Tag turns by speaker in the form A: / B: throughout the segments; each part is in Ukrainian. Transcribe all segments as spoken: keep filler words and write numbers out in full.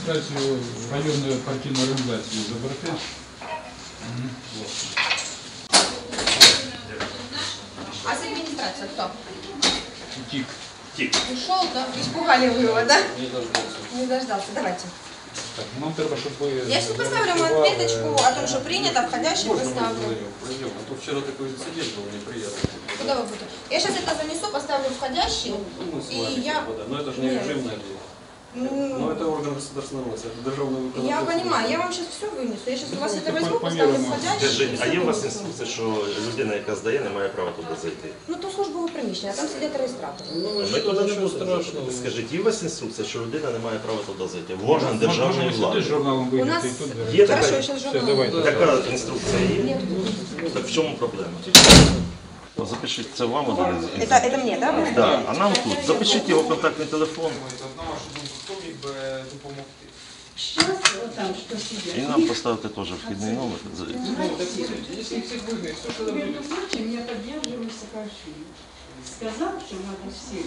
A: реєстрацію районної партійної організації заберете?
B: А с администрацией кто?
A: Тик.
C: Тик.
B: Ушел, да? Испугали вы его, да?
C: Не дождался.
B: Не дождался. Давайте.
A: Так, нам треба, щоб ви...
B: Я сейчас поставлю ему отметочку о том, что принято, входящий поставлю.
C: Пойдем, а то вчера такой инцидент был неприятный.
B: Куда вы будете? Я сейчас это занесу, поставлю входящий.
C: Ну, с
B: И
C: вами,
B: я...
C: типа, да. Но это же не
B: Нет.
C: режимное дело.
B: Ну,
C: Но это орган государственной власти, это державный выполнитель.
B: я понимаю, я вам сейчас все вынесу. Я сейчас у вас это возьму, поставлю
A: Поміряємо.
B: входящий.
D: Скажіть, а
B: всё
D: є у вас
B: вынесу.
D: інструкція, що людина, яка здає, не має права туди зайти?
B: Ну, то службове приміщення, а там сидять реєстратори.
C: Ну,
D: Ми туди не
C: ничего
D: будемо.
C: страшного.
D: Скажіть, є у вас інструкція, що людина не має права туди зайти? В орган
A: Можна
D: державної
A: сюди з
D: влади.
A: журналом
B: У нас...
A: вийти і тут...
D: Є
B: Хорошо,
D: така,
B: я сейчас
A: Все,
B: журнал.
A: давайте.
D: така інструкція є?
B: Нет.
D: Так в чому проблема? Запишіть, це вам один.
B: Это, это мне, да? вы?
D: Да, а нам тут. Запишіть його контактний телефон
E: Сейчас вот там что сидят.
D: і нам поставити теж вхідний номер.
E: Между прочим, я поддерживаю Саакашвили. Сказал, что надо все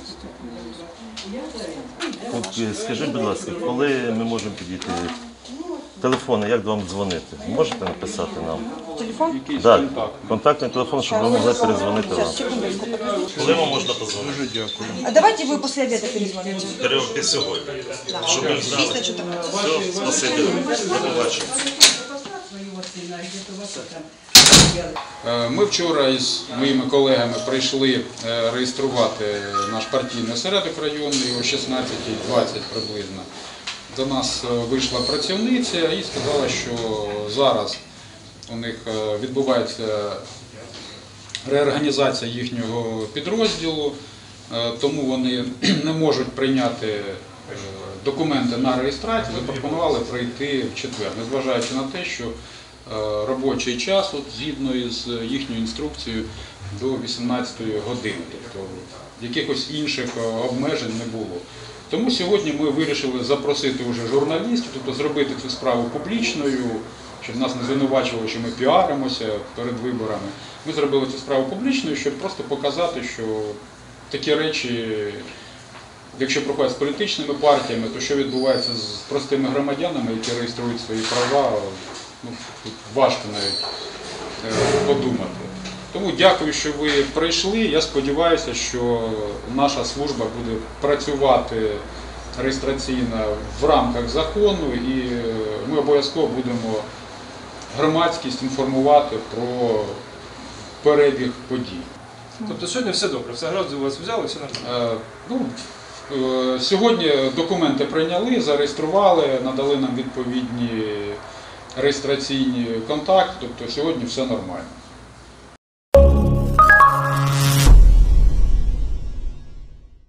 E: я за это.
D: От, скажіть, будь ласка, коли ми можемо підійти? Телефони, як вам дзвонити? Можете написати нам?
B: Телефон?
D: Так, контактний телефон, щоб ви могли перезвонити вам.
B: Сейчас, секундочку.
D: Коли вам можна позвонити?
A: Дуже дякую.
B: А давайте вы после обеда перезвоните.
D: Переговорки сьогодні. Щоб ви знали.
B: Після чотирнадцяти.
D: Все, спасибі. До побачення.
E: Своего сына, где-то вот это.
A: Е, Ми вчора із моїми колегами прийшли е, реєструвати наш партійний осередок районний о шістнадцятій двадцять приблизно. До нас е, вийшла працівниця і сказала, що зараз у них е, відбувається реорганізація їхнього підрозділу, е, тому вони не можуть прийняти е, документи на реєстрацію, запропонували прийти в четвер, незважаючи на те, що е, робочий час, от, згідно із їхньою інструкцією, до вісімнадцятої години, тобто якихось інших е, обмежень не було. Тому сьогодні ми вирішили запросити вже журналістів, тобто зробити цю справу публічною, щоб нас не звинувачували, що ми піаримося перед виборами. Ми зробили цю справу публічною, щоб просто показати, що такі речі, якщо проходять з політичними партіями, то що відбувається з простими громадянами, які реєструють свої права, ну, тут важко навіть е, подумати. Тому дякую, що ви прийшли. Я сподіваюся, що наша служба буде працювати реєстраційно в рамках закону, і ми обов'язково будемо громадськість інформувати про перебіг подій.
C: Тобто сьогодні все добре, все гаразд, у вас взяли, все нормально?
A: Е, ну, е, сьогодні документи прийняли, зареєстрували, надали нам відповідні реєстраційні контакти, тобто сьогодні все нормально.